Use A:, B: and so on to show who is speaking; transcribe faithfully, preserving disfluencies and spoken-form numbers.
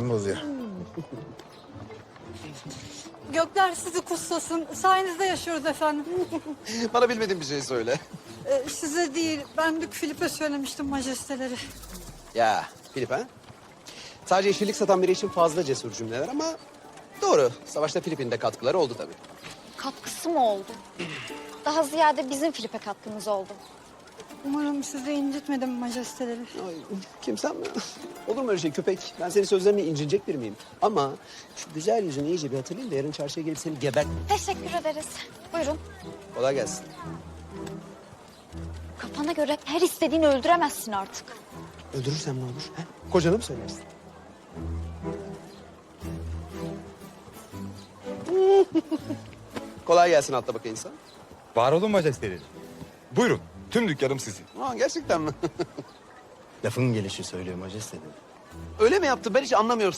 A: moralim bozuyor.
B: Gökler sizi kutlasın. Sayenizde yaşıyoruz efendim.
C: Bana bilmediğin bir şey söyle.
B: Ee, size değil, ben Dük Filip'e söylemiştim majesteleri.
C: Ya Filip ha? Sadece yeşillik satan biri için fazla cesur cümleler ama doğru. Savaşta Filip'in de katkıları oldu tabii.
D: Katkısı mı oldu? Daha ziyade bizim Filip'e katkımız oldu.
B: Umarım sizi incitmedim majesteleri.
C: Ay, kimsem mi? Olur mu öyle şey köpek? Ben senin sözlerine incinecek bir miyim? Ama şu güzel yüzünü iyice bir hatırlayayım da yarın çarşıya gelip seni gebert...
D: Teşekkür ederiz. Buyurun.
C: Kolay gelsin.
D: Kafana göre her istediğini öldüremezsin artık.
C: Öldürürsem ne olur? Ha? Kocana mı söylersin? Kolay gelsin atla bakayım insan.
A: Var olun majesteleri. Buyurun. Tüm dükkanım sizin.
C: Aa, gerçekten mi?
E: Lafın gelişi söylüyor majesteleri.
C: Öyle mi yaptı? Ben hiç anlamıyorum.